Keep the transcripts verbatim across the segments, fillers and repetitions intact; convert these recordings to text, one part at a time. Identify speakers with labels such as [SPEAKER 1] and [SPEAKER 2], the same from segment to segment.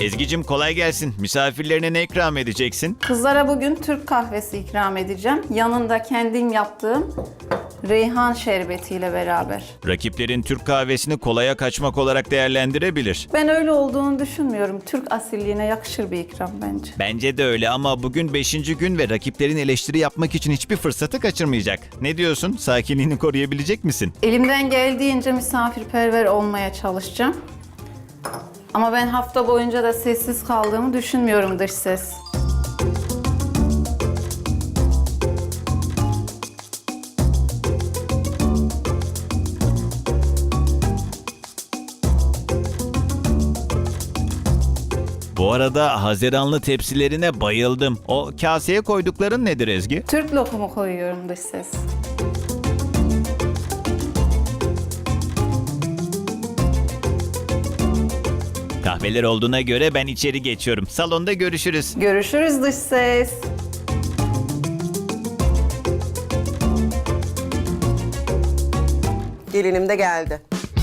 [SPEAKER 1] Ezgi'cim kolay gelsin. Misafirlerine ne ikram edeceksin?
[SPEAKER 2] Kızlara bugün Türk kahvesi ikram edeceğim. Yanında kendim yaptığım reyhan şerbetiyle beraber.
[SPEAKER 1] Rakiplerin Türk kahvesini kolaya kaçmak olarak değerlendirebilir.
[SPEAKER 2] Ben öyle olduğunu düşünmüyorum. Türk asilliğine yakışır bir ikram bence.
[SPEAKER 1] Bence de öyle ama bugün beşinci gün ve rakiplerin eleştiri yapmak için hiçbir fırsatı kaçırmayacak. Ne diyorsun? Sakinliğini koruyabilecek misin?
[SPEAKER 2] Elimden geldiğince misafirperver olmaya çalışacağım. Ama ben hafta boyunca da sessiz kaldığımı düşünmüyorum dış ses.
[SPEAKER 1] Bu arada Haziranlı tepsilerine bayıldım. O kaseye koydukların nedir Ezgi?
[SPEAKER 2] Türk lokumu koyuyorum dış ses.
[SPEAKER 1] Kahveler olduğuna göre ben içeri geçiyorum. Salonda görüşürüz.
[SPEAKER 2] Görüşürüz dış ses.
[SPEAKER 3] Gelinim de geldi.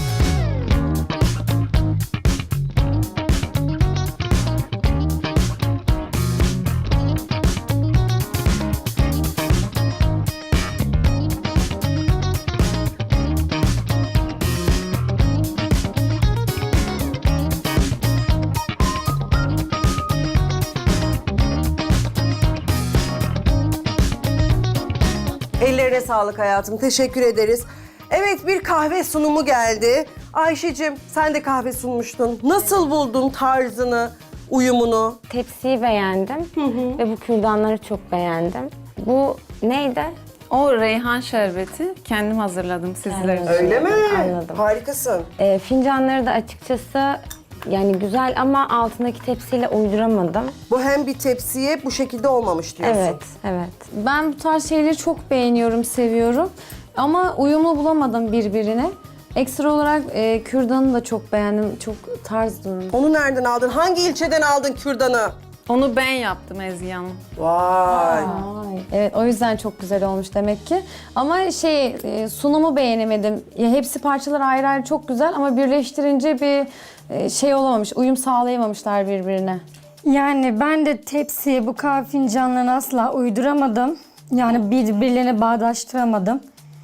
[SPEAKER 3] Ellerine sağlık hayatım. Teşekkür ederiz. Evet, bir kahve sunumu geldi. Ayşe'cim sen de kahve sunmuştun. Nasıl buldun tarzını, uyumunu?
[SPEAKER 4] Tepsiyi beğendim ve bu kürdanları çok beğendim. Bu neydi?
[SPEAKER 2] O reyhan şerbeti kendim hazırladım sizler için.
[SPEAKER 3] Öyle mi?
[SPEAKER 4] Anladım.
[SPEAKER 3] Harikasın.
[SPEAKER 4] Ee, fincanları da açıkçası yani güzel ama altındaki tepsiyle uyduramadım.
[SPEAKER 3] Bu hem bir tepsiye bu şekilde olmamış diyorsun.
[SPEAKER 4] Evet, evet.
[SPEAKER 5] Ben bu tarz şeyleri çok beğeniyorum, seviyorum. Ama uyumlu bulamadım birbirine. Ekstra olarak e, kürdanı da çok beğendim. Çok tarz durmuş.
[SPEAKER 3] Onu nereden aldın? Hangi ilçeden aldın kürdanı?
[SPEAKER 2] Onu ben yaptım Ezgi Hanım.
[SPEAKER 3] Vay.
[SPEAKER 5] Ay, evet, o yüzden çok güzel olmuş demek ki. Ama şey, e, sunumu beğenemedim. Ya, hepsi parçalar ayrı ayrı çok güzel ama birleştirince bir e, şey olamamış, uyum sağlayamamışlar birbirine.
[SPEAKER 6] Yani ben de tepsiye bu kahve fincanlarını asla uyduramadım. Yani birbirlerine bağdaştıramadım.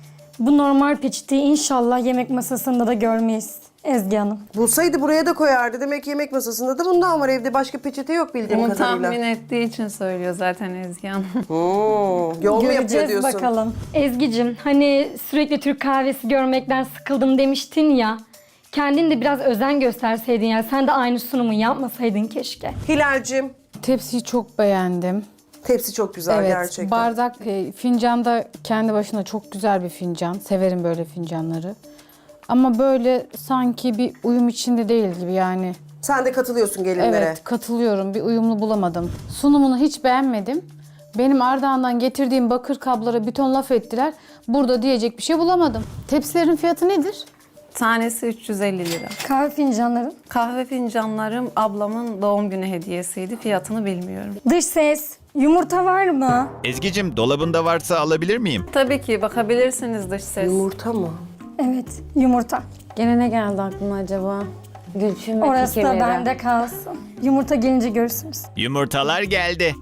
[SPEAKER 6] Bu normal peçeteyi inşallah yemek masasında da görmeyiz Ezgi Hanım.
[SPEAKER 3] Bulsaydı buraya da koyardı. Demek ki yemek masasında da bundan var. Evde başka peçete yok bildiğim
[SPEAKER 2] Bunu
[SPEAKER 3] kadarıyla.
[SPEAKER 2] tahmin ettiği için söylüyor zaten Ezgi Hanım.
[SPEAKER 3] Hmm, yol mu yapıyor
[SPEAKER 6] Göreceğiz
[SPEAKER 3] diyorsun?
[SPEAKER 6] bakalım. Ezgi'cim hani sürekli Türk kahvesi görmekten sıkıldım demiştin ya. Kendin de biraz özen gösterseydin ya. Sen de aynı sunumu yapmasaydın keşke.
[SPEAKER 3] Hilal'cim,
[SPEAKER 7] Tepsiyi çok beğendim.
[SPEAKER 3] tepsi çok güzel
[SPEAKER 7] Evet,
[SPEAKER 3] gerçekten.
[SPEAKER 7] bardak, e, fincan da kendi başına çok güzel bir fincan. Severim böyle fincanları. Ama böyle sanki bir uyum içinde değil gibi yani.
[SPEAKER 3] Sen de katılıyorsun gelinlere.
[SPEAKER 7] Evet, katılıyorum. Bir uyumlu bulamadım. Sunumunu hiç beğenmedim. Benim Ardahan'dan getirdiğim bakır kablara bir ton laf ettiler. Burada diyecek bir şey bulamadım. Tepsilerin fiyatı nedir?
[SPEAKER 2] Tanesi üç yüz elli lira.
[SPEAKER 6] Kahve fincanların.
[SPEAKER 2] Kahve fincanlarım ablamın doğum günü hediyesiydi. Fiyatını bilmiyorum.
[SPEAKER 6] Dış ses. Yumurta var mı?
[SPEAKER 1] Ezgi'cim dolabında varsa alabilir miyim?
[SPEAKER 2] Tabii ki bakabilirsiniz dış ses.
[SPEAKER 3] Yumurta mı?
[SPEAKER 6] Evet, yumurta.
[SPEAKER 4] Gene ne geldi aklıma acaba? Gülçin ve
[SPEAKER 6] Orası da
[SPEAKER 4] kekirleri.
[SPEAKER 6] bende kalsın. Yumurta gelince görürsünüz.
[SPEAKER 1] Yumurtalar geldi.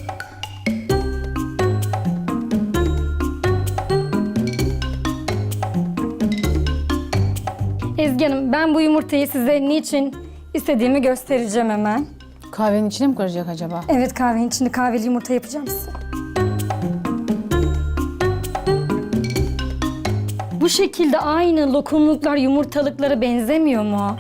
[SPEAKER 6] Ezgi Hanım, ben bu yumurtayı size niçin istediğimi göstereceğim hemen.
[SPEAKER 7] Kahvenin içine mi karacak acaba?
[SPEAKER 6] Evet, kahvenin içinde kahveli yumurta yapacağım size. Bu şekilde aynı lokumluklar yumurtalıklara benzemiyor mu?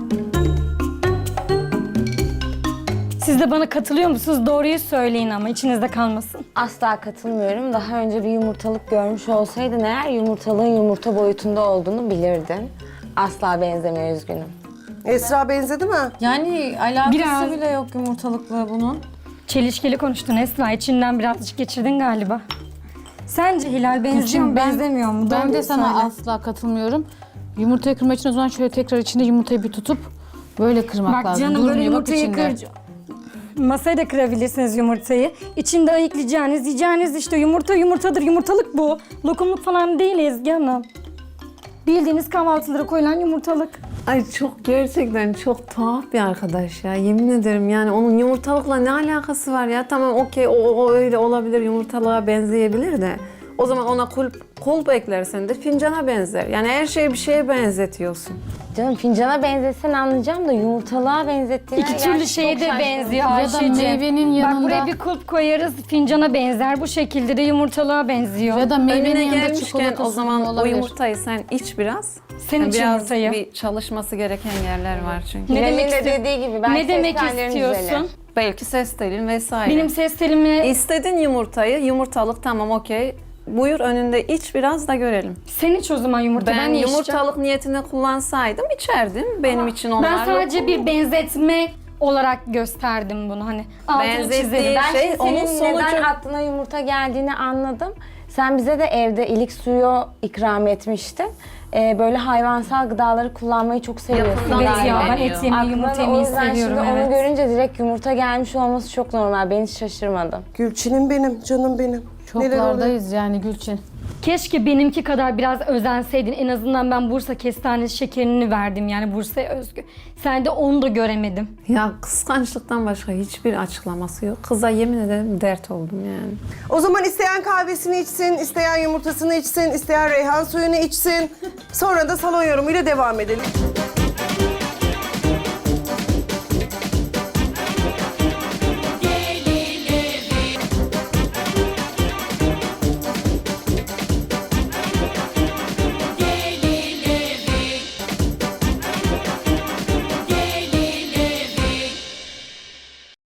[SPEAKER 6] Siz de bana katılıyor musunuz? Doğruyu söyleyin ama içinizde kalmasın.
[SPEAKER 4] Asla katılmıyorum. Daha önce bir yumurtalık görmüş olsaydın eğer yumurtalığın yumurta boyutunda olduğunu bilirdin. Asla benzemiyor, üzgünüm.
[SPEAKER 3] Esra benzedi mi?
[SPEAKER 5] Yani alakası
[SPEAKER 6] Biraz.
[SPEAKER 5] bile yok yumurtalıkla bunun.
[SPEAKER 6] Çelişkili konuştun Esra. İçinden birazcık geçirdin galiba. Sence Hilal benziyor
[SPEAKER 7] Gülçin,
[SPEAKER 6] mu, benzemiyor mu?
[SPEAKER 7] Ben
[SPEAKER 6] Doğruyu
[SPEAKER 7] de sana
[SPEAKER 6] söyle.
[SPEAKER 7] asla katılmıyorum. Yumurtayı kırmak için o zaman şöyle tekrar içinde yumurtayı bir tutup böyle kırmak
[SPEAKER 6] Bak
[SPEAKER 7] lazım.
[SPEAKER 6] canım, böyle
[SPEAKER 7] Durmuyor, bak
[SPEAKER 6] yumurtayı
[SPEAKER 7] içinde.
[SPEAKER 6] kır. Masaya da kırabilirsiniz yumurtayı. İçinde ayıklayacağınız, yiyeceğiniz işte yumurta yumurtadır. Yumurtalık bu. Lokumluk falan değil Ezgi Hanım. Bildiğiniz kahvaltılara koyulan yumurtalık.
[SPEAKER 8] Ay çok gerçekten çok tuhaf bir arkadaş ya. Yemin ederim yani onun yumurtalıkla ne alakası var ya? Tamam okey o, o öyle olabilir, yumurtalığa benzeyebilir de. O zaman ona kulp, kulp eklersen de fincana benzer. Yani her şeyi bir şeye benzetiyorsun.
[SPEAKER 4] Canım fincana benzesen anlayacağım da yumurtalığa benzettiğine
[SPEAKER 6] İki türlü şeye de benziyor
[SPEAKER 7] Ya da
[SPEAKER 6] Ayşe'cim.
[SPEAKER 7] meyvenin yanında-
[SPEAKER 6] Bak buraya bir kulp koyarız, fincana benzer. Bu şekilde de yumurtalığa benziyor.
[SPEAKER 7] Ya da meyvenin
[SPEAKER 2] Önüne
[SPEAKER 7] yanında
[SPEAKER 2] gelmişken
[SPEAKER 7] çikolata
[SPEAKER 2] o zaman
[SPEAKER 7] sunumu
[SPEAKER 2] o
[SPEAKER 7] olabilir.
[SPEAKER 2] yumurtayı sen iç biraz.
[SPEAKER 6] Senin
[SPEAKER 2] Yani
[SPEAKER 6] için
[SPEAKER 2] biraz
[SPEAKER 6] yumurtayı.
[SPEAKER 2] bir çalışması gereken yerler var çünkü.
[SPEAKER 6] Ne
[SPEAKER 4] Hilal'in
[SPEAKER 6] demek
[SPEAKER 4] de
[SPEAKER 6] istiyor-
[SPEAKER 4] dediği gibi belki
[SPEAKER 6] Ne demek
[SPEAKER 4] ses tellerin
[SPEAKER 6] istiyorsun?
[SPEAKER 4] düzelir.
[SPEAKER 2] Belki ses telin vesaire.
[SPEAKER 6] Benim ses telimi
[SPEAKER 2] İstedin yumurtayı, yumurtalık tamam okey. Buyur önünde iç biraz da görelim.
[SPEAKER 6] sen iç o zaman yumurta.
[SPEAKER 2] Ben,
[SPEAKER 6] Ben, niye içeceğim?
[SPEAKER 2] yumurtalık niyetine kullansaydım içerdim. Benim için onlar
[SPEAKER 6] Ben sadece
[SPEAKER 2] yok.
[SPEAKER 6] bir benzetme olarak gösterdim bunu hani. Altını
[SPEAKER 2] Benzettiği
[SPEAKER 6] çizelim.
[SPEAKER 4] Ben
[SPEAKER 2] şey,
[SPEAKER 4] şimdi
[SPEAKER 2] onun
[SPEAKER 4] senin
[SPEAKER 2] sonucu-
[SPEAKER 4] neden aklına yumurta geldiğini anladım. Sen bize de evde ilik suyu ikram etmiştin. Ee, böyle hayvansal gıdaları kullanmayı çok seviyorsun.
[SPEAKER 2] Yakından
[SPEAKER 6] Evet
[SPEAKER 4] galiba.
[SPEAKER 6] ya ben
[SPEAKER 2] beğeniyor.
[SPEAKER 6] et yemeyi,
[SPEAKER 4] Aklına
[SPEAKER 6] yumurta
[SPEAKER 4] da o
[SPEAKER 6] yemeyi
[SPEAKER 4] yüzden
[SPEAKER 6] seviyorum.
[SPEAKER 4] şimdi
[SPEAKER 6] Evet.
[SPEAKER 4] onu görünce direkt yumurta gelmiş olması çok normal. Ben hiç şaşırmadım.
[SPEAKER 3] Gülçin'im benim, canım benim. Neler oluyor?
[SPEAKER 7] Çoklardayız yani Gülçin.
[SPEAKER 6] Keşke benimki kadar biraz özenseydin. En azından ben Bursa kestanesi şekerini verdim yani Bursa'ya özgü. Sen de onu da göremedim.
[SPEAKER 2] Ya kıskançlıktan başka hiçbir açıklaması yok. Kıza yemin ederim dert oldum yani.
[SPEAKER 3] O zaman isteyen kahvesini içsin, isteyen yumurtasını içsin, isteyen reyhan suyunu içsin. Sonra da salon yorumuyla devam edelim.